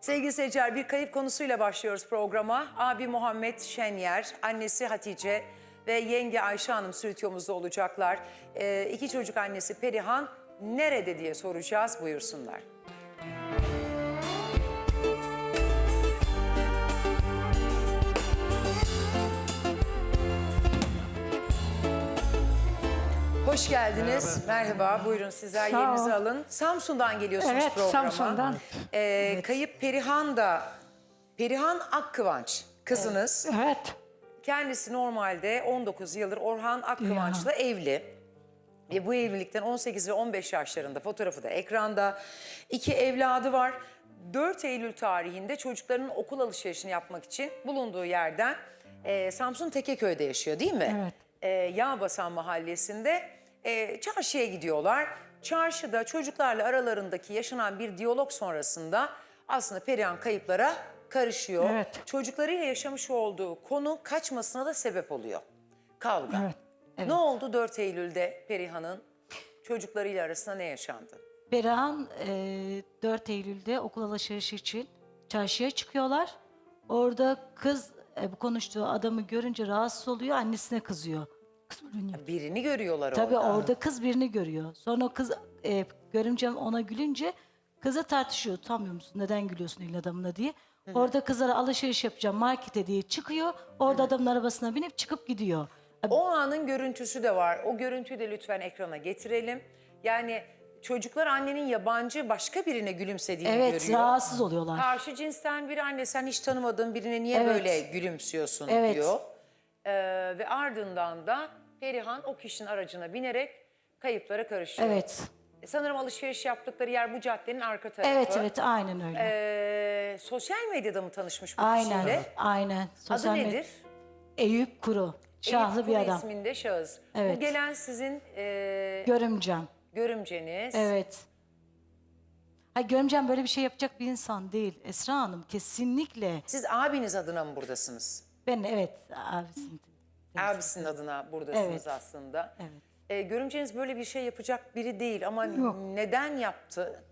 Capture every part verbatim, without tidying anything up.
Sevgili seyirciler, bir kayıp konusuyla başlıyoruz programa. Abi Muhammed Şenyer, annesi Hatice ve yenge Ayşe Hanım stüdyomuzda olacaklar. Ee, iki çocuk annesi Perihan nerede diye soracağız, buyursunlar. Hoş geldiniz. Merhaba. Merhaba. Buyurun sizler Sağ yerinizi ol. alın. Samsun'dan geliyorsunuz Evet, programa. Samsun'dan. Ee, Evet. Kayıp Perihan da, Perihan Akkıvanç kızınız. Evet. Kendisi normalde on dokuz yıldır Orhan Akkıvanç'la evli. Ve bu evlilikten on sekiz ve on beş yaşlarında, fotoğrafı da ekranda. İki evladı var. dört Eylül tarihinde çocuklarının okul alışverişini yapmak için bulunduğu yerden e, Samsun Tekeköy'de yaşıyor değil mi? Evet. E, Yağbasan mahallesinde e, çarşıya gidiyorlar. Çarşıda çocuklarla aralarındaki yaşanan bir diyalog sonrasında aslında Perihan kayıplara karışıyor. Evet. Çocuklarıyla yaşamış olduğu konu kaçmasına da sebep oluyor. Kavga. Evet, evet. Ne oldu dört Eylül'de Perihan'ın çocuklarıyla arasında ne yaşandı? Perihan e, dört Eylül'de okul alışverişi için çarşıya çıkıyorlar. Orada kız e, bu konuştuğu adamı görünce rahatsız oluyor, annesine kızıyor. Birini görüyorlar Tabii orada. orada kız birini görüyor. Sonra kız e, görümcem ona gülünce kıza tartışıyor. Utanmıyor musun? Neden gülüyorsun elin adamına diye. Hı-hı. Orada kızlara alışveriş yapacağım markete diye çıkıyor. Orada Hı-hı. adamın arabasına binip çıkıp gidiyor. O anın görüntüsü de var. O görüntüyü de lütfen ekrana getirelim. Yani çocuklar annenin yabancı başka birine gülümsediğini Evet, görüyor. rahatsız oluyorlar. Karşı cinsten bir anne, sen hiç tanımadığın birine niye Evet. böyle gülümsüyorsun Evet. diyor. Ee, ve ardından da Perihan o kişinin aracına binerek kayıplara karışıyor. Evet. Sanırım alışveriş yaptıkları yer bu caddenin arka tarafı. Evet evet aynen öyle. Ee, sosyal medyada mı tanışmış bu aynen. kişiyle? Aynen. Sosyal Adı med- nedir? Eyüp Kuru. Şahlı Eyüp bir Kuru adam. isminde şahıs. Evet. Bu gelen sizin e, Görümcem. görümceniz. Evet. Ha, görümcem böyle bir şey yapacak bir insan değil Esra Hanım. Kesinlikle. Siz abiniz adına mı buradasınız? Ben evet abisin. Abisinin adına buradasınız Evet. aslında. Evet. E, görümceniz böyle bir şey yapacak biri değil ama Yok. neden yaptı?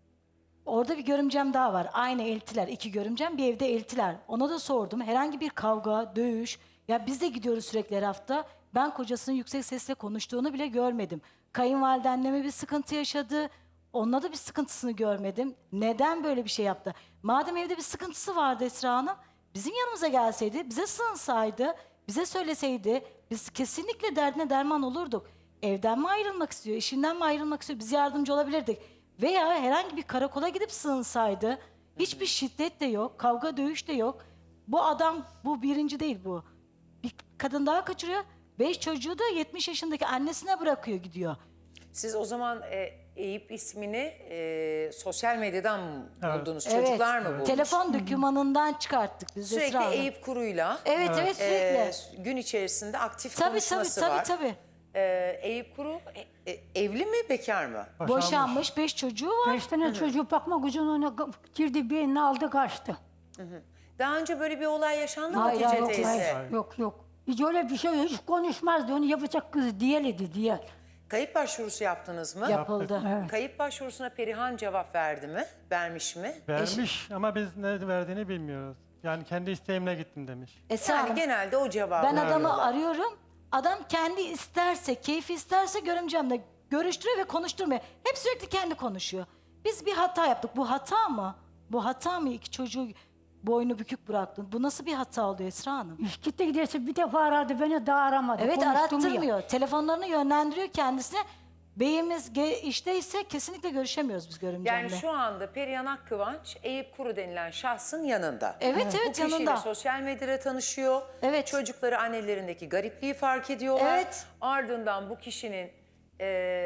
Orada bir görümcem daha var. Aynı eltiler. İki görümcem bir evde eltiler. Ona da sordum. Herhangi bir kavga, dövüş. Ya biz de gidiyoruz sürekli her hafta. Ben kocasının yüksek sesle konuştuğunu bile görmedim. Kayınvalide bir sıkıntı yaşadı. Onunla da bir sıkıntısını görmedim. Neden böyle bir şey yaptı? Madem evde bir sıkıntısı vardı Esra Hanım, bizim yanımıza gelseydi, bize sığınsaydı, bize söyleseydi, biz kesinlikle derdine derman olurduk. Evden mi ayrılmak istiyor, işinden mi ayrılmak istiyor, biz yardımcı olabilirdik. Veya herhangi bir karakola gidip sığınsaydı, hiçbir şiddet de yok, kavga dövüş de yok. Bu adam, bu birinci değil bu. Bir kadın daha kaçırıyor, beş çocuğu da yetmiş yaşındaki annesine bırakıyor gidiyor. Siz o zaman e, Eyüp ismini e, sosyal medyadan mı Evet. buldunuz? Evet, Çocuklar mı bulmuş? telefon dokümanından çıkarttık biz Sürekli Esra Hanım. Eyüp Kuru'yla Evet evet e, sürekli. gün içerisinde aktif Tabii tabii konuşması tabii var. tabii. E, Eyüp Kuru e, e, evli mi, bekar mı? Boşanmış. Boşanmış, beş çocuğu var. Beş tane çocuğu bakmak için ona girdi, bir elini aldı kaçtı. Daha önce böyle bir olay yaşandı mı Hayır, Hatice yok, teyze? hayır. Yok yok. Hiç öyle bir şey yok. Hiç konuşmazdı. Onu yapacak kız diyeledi diye. Kayıp başvurusu yaptınız mı? Yapıldı. Evet. Kayıp başvurusuna Perihan cevap verdi mi? Vermiş mi? Vermiş ama biz ne verdiğini bilmiyoruz. Yani kendi isteğimle gittim demiş. Esra Yani Hanım, genelde o cevabı ben adamı veriyorlar. arıyorum. Adam kendi isterse, keyfi isterse görümcemle görüştürüyor ve konuşturmuyor. Hep sürekli kendi konuşuyor. Biz bir hata yaptık. Bu hata mı? Bu hata mı? İki çocuğu boynu bükük bıraktın. Bu nasıl bir hata oldu Esra Hanım? İş gitti giderse bir defa aradı beni, daha aramadı. Evet, Konuştum ya. arattırmıyor. Telefonlarını yönlendiriyor kendisine. Beyimiz ge- işteyse kesinlikle görüşemiyoruz biz görümcemle. Yani şu anda Perihan Akkıvanç, Eyüp Kuru denilen şahsın yanında. Evet, evet, Bu kişiyle yanında. sosyal medyada tanışıyor. Evet. Çocukları annelerindeki garipliği fark ediyorlar. Evet. Ardından bu kişinin e,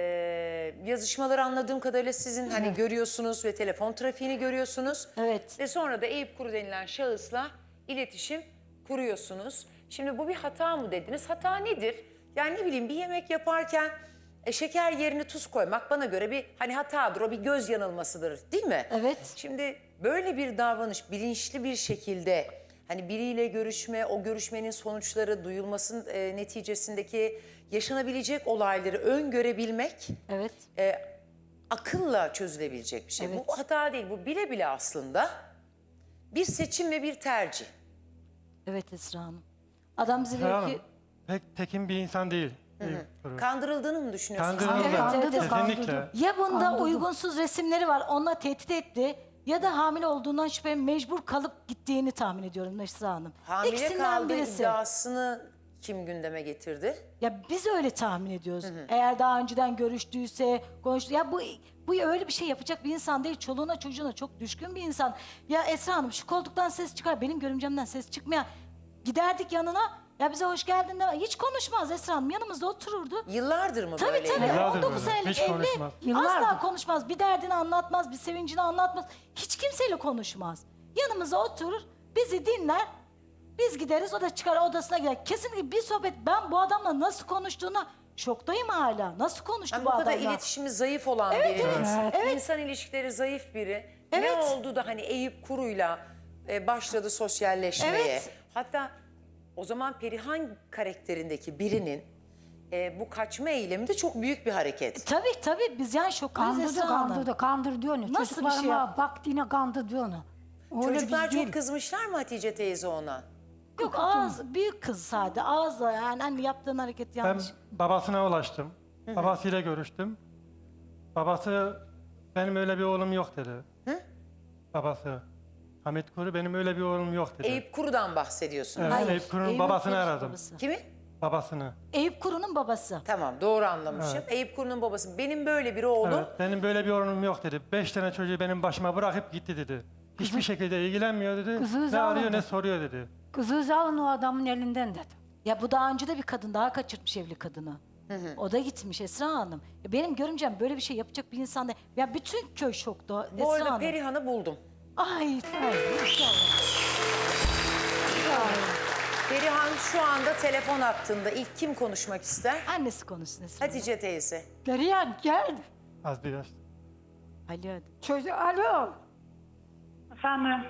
yazışmaları anladığım kadarıyla sizin hani görüyorsunuz ve telefon trafiğini görüyorsunuz. Evet. Ve sonra da Eyüp Kuru denilen şahısla iletişim kuruyorsunuz. Şimdi bu bir hata mı dediniz? Hata nedir? Yani ne bileyim, bir yemek yaparken e, şeker yerine tuz koymak bana göre bir hani hatadır, o bir göz yanılmasıdır değil mi? Evet. Şimdi böyle bir davranış bilinçli bir şekilde hani biriyle görüşme, o görüşmenin sonuçları duyulmasının e, neticesindeki yaşanabilecek olayları öngörebilmek Evet. e, akılla çözülebilecek bir şey. Evet. Bu hata değil, bu bile bile aslında Bir seçim ve bir tercih. Evet Esra Hanım. Adam bize Esra diyor Hanım, ki pek tekin bir insan değil. Eyüp Kuru. Kandırıldığını mı düşünüyorsunuz? Kandırıldı. Evet, evet, evet. Kesinlikle. ya bunda Kandırdı. uygunsuz resimleri var onunla tehdit etti ya da hamile olduğundan şüphe mecbur kalıp gittiğini tahmin ediyorum Esra Hanım. Hamile İkisinden kaldığı birisi. iddiasını kim gündeme getirdi? Ya biz öyle tahmin ediyoruz. Eğer daha önceden görüştüyse, konuştu. Ya bu bu öyle bir şey yapacak bir insan değil. Çoluğuna çocuğuna çok düşkün bir insan. Ya Esra Hanım şu koltuktan ses çıkar. Benim görümcemden ses çıkmayan. Giderdik yanına. Ya bize hoş geldin de hiç konuşmaz Esra Hanım. Yanımızda otururdu. Yıllardır mı Tabii böyle? tabii. Yıllardır on dokuz böyle. senelik Hiç evli. konuşmaz. Asla Yıllardır. konuşmaz. Bir derdini anlatmaz, bir sevincini anlatmaz. Hiç kimseyle konuşmaz. Yanımıza oturur, bizi dinler. Biz gideriz, o da çıkar odasına gider. Kesinlikle bir sohbet. Ben bu adamla nasıl konuştuğuna şoktayım hala. Nasıl konuştu Yani bu bu kadar adamla? iletişimi zayıf olan Evet, biri. evet, evet. İnsan ilişkileri zayıf biri. Evet. Ne oldu da hani Eyüp Kuru'yla e, başladı sosyalleşmeye. Evet. Hatta o zaman Perihan karakterindeki birinin e, bu kaçma eylemi de çok büyük bir hareket. Tabii tabii biz yani şoktayız Kandırdı, Esra Hanım. kandırdı, kandırdı onu. Nasıl bir şey Çocuklarıma yap- baktı yine kandırdı onu. Öyle Çocuklar biz değil. çok kızmışlar mı Hatice teyze ona? Yok ağız, büyük kız sadece ağızla yani hani yaptığın hareket Ben yanlış. babasına ulaştım. Babasıyla görüştüm. Babası benim öyle bir oğlum yok dedi. Hı? Babası. Hamit Kuru benim öyle bir oğlum yok dedi. Eyüp Kuru'dan bahsediyorsunuz. Evet, Hayır, Eyüp Kuru'nun Eyüp babasını Kuru'nun aradım. babası. Kimi? Babasını. Eyüp Kuru'nun babası. Tamam, doğru anlamışım. Eyüp Kuru'nun babası. Benim böyle bir oğlum. Evet, benim böyle bir oğlum yok dedi. Beş tane çocuğu benim başıma bırakıp gitti dedi. Hiçbir şekilde ilgilenmiyor dedi. Kızı Ne zavallı. arıyor ne soruyor dedi. Kızı alın o adamın elinden dedi. Ya bu daha önce de bir kadın daha kaçırtmış evli kadını. O da gitmiş Esra Hanım. Ya benim görümcem böyle bir şey yapacak bir insan değil. Ya bütün köy şokta Bu Esra arada Hanım. Perihan'ı buldum. Ay, ay inşallah. Perihan şu anda telefon hattında. İlk kim konuşmak ister? Annesi konuşsun Esra Hanım. Hatice teyze. Perihan gel. Az biraz. Ali hadi. Çocuk alo. Efendim,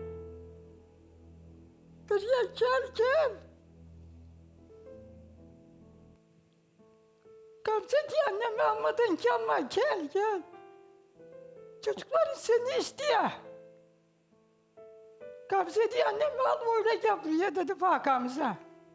Perihan gel gel. Gamze diye annemi almadın ki ama gel gel. Çocukların seni istiyor. Gamze diye annemi al öyle gel buraya dedi bak Gamze.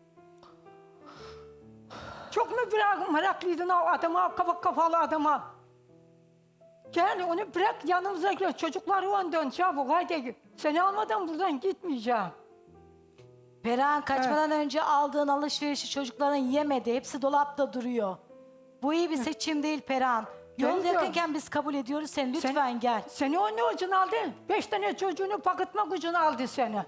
Çok mu bırak meraklıydın o adama, o kafa kafalı adama? Gel onu bırak yanımıza gel. Çocukları ondan çabuk haydi. Seni almadan buradan gitmeyeceğim. Perihan kaçmadan önce aldığın alışverişi çocukların yemedi. Hepsi dolapta duruyor. Bu iyi bir seçim değil Perihan. Yol Geliyorum. yakınken biz kabul ediyoruz seni. Lütfen Sen- gel. Seni o ne ucunu aldı? Beş tane çocuğunu paketmak ucunu aldı seni.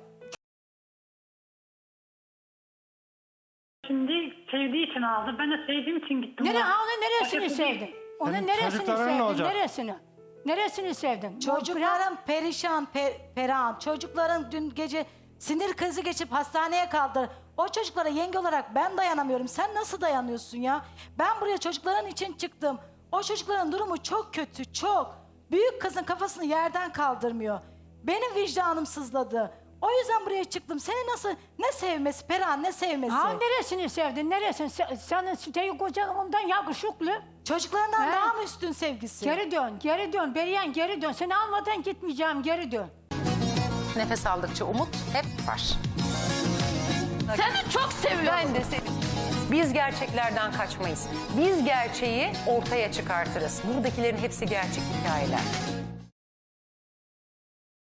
şimdi sevdiği için aldı. Ben de sevdiğim için gittim. Nere, ona. ha, onun neresini Başkası değil. sevdin? Onun Senin neresini çocukların ne sevdin? olacak? Neresini? Neresini sevdin? Çocukların perişan per, Perihan. Çocukların dün gece sinir krizi geçip hastaneye kaldı. O çocuklara yenge olarak ben dayanamıyorum. Sen nasıl dayanıyorsun ya? Ben buraya çocukların için çıktım. O çocukların durumu çok kötü, çok. Büyük kızın kafasını yerden kaldırmıyor. Benim vicdanım sızladı. O yüzden buraya çıktım. Seni nasıl, ne sevmesi Perihan, ne sevmesi? Ha neresini sevdin? Neresini? Se- Senin siteyi kocan ondan yakışıklı. Çocuklarından He? daha mı üstün sevgisi? Geri dön, geri dön. Beriyen geri dön. Seni almadan gitmeyeceğim, geri dön. Nefes aldıkça umut hep var. Seni çok seviyorum. Ben de seni. Biz gerçeklerden kaçmayız. Biz gerçeği ortaya çıkartırız. Buradakilerin hepsi gerçek hikayeler.